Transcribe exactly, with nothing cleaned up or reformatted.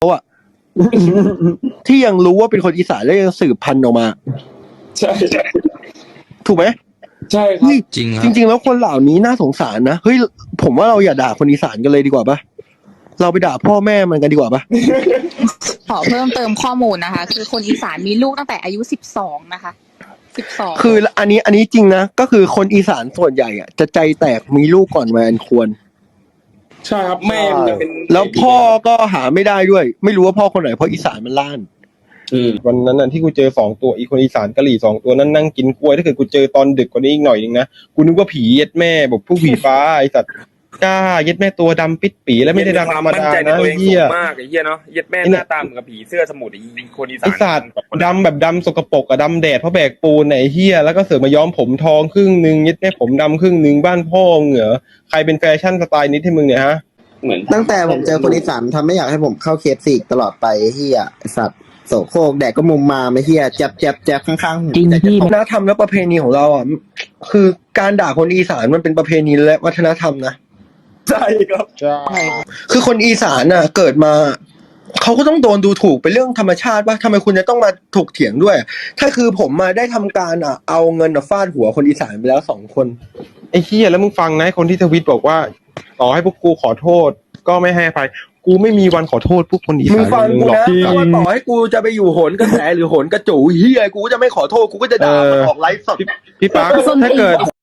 อ่ะ ที่ยังรู้ว่าเป็นคนอีสานแล้วยังสืบพันธุ์ออกมาใช่ใช่ถูกไหมใช่ครับจริงครับจริงๆแล้วคนเหล่านี้น่าสงสารนะเฮ้ยผมว่าเราอย่าด่าคนอีสานกันเลยดีกว่าปะเราไปด่าพ่อแม่มันกันดีกว่าปะขอเพิ่มเติมข้อมูลนะคะ คือคนอีสานมีลูกตั้งแต่อายุสิบสองนะคะสิบสองคืออันนี้อันนี้จริงนะก็คือคนอีสานส่วนใหญ่อ่ะจะใจแตกมีลูกก่อนวัยอันควรใช่ครับแม่มันจะเป็นแล้วพ่อก็หาไม่ได้ด้วย ไม่รู้ว่าพ่อคนไหนเพราะอีสานมันล้านอืมวันนั้นน่ะที่กูเจอสองตัวอีคนอีสานกะหรี่สองตัวนั้นนั่งกินกล้วยถ้าเกิดกูเจอตอนดึกกว่านี้อีกหน่อยนึงนะกูนึกว่าผีเย็ดแม่บอกพวกผีฟ้าไอสัตว์กล้าเย็ดแม่ตัวดำปิดปีแล้วไม่ได้ดำธรรมดาใจในนะตัวเองเหี้สูยงมากไอ้เหี้ยเนาะเหี้ย็ดแม่ไอ้หเนี่ยน้าตาเหมือนกับผีเสื้อสมุทรไอ้คนอีสาไอน สัตว์ดำแบบดำสกปรกอะดำแดดเพราะแบกปูนไหนเฮียแล้วก็เสือกมาย้อมผมทองครึ่งนึงเย็ดแม่ผมดำครึ่งนึงบ้านพ่อมึงเหรอใครเป็นแฟชั่นสไตล์นี้ให้มึงเนี่ยฮะเหมือนตั้งแต่ผมเจอคนอีสานทำไม่อยากให้ผมเข้าเคสสี่ตลอดไปเฮียไอ้สัตว์โสโครกแดกก็มุมมาไม่เฮียแจ๊บแจ๊บแจ๊บข้างๆหูจริงแต่จะพี่ตกวัฒนธรรมและประเพณีของเราอ่ะคือการด่าคนอีสานมันเป็นประเพณีและวัฒนธรรมนะใช่ครับใช่คือคนอีสานน่ะเกิดมาเขาก็ต้องโดนดูถูกเป็นเรื่องธรรมชาติป่ะทำไมคุณจะต้องมาถกเถียงด้วย ถ้าคือผมมาได้ทำการอ่ะเอาเงินอ่ะฟาดหัวคนอีสานไปแล้วสองคนไอ้เฮียแล้วมึงฟังนะคนที่ทวิตบอกว่าต่อให้พวกกูขอโทษก็ไม่ให้อภัยกูไม่มีวันขอโทษพวกคนอีมึสาง นฟังกูหรอกนะที่ถ้าว่าต่อให้กูจะไปอยู่โหนกระแสหรือโหนกระจูเฮียกูก็จะไม่ขอโทษกูก็จะด่ามันออกไลฟ์สดพี่ปั๊กถ้าเกิด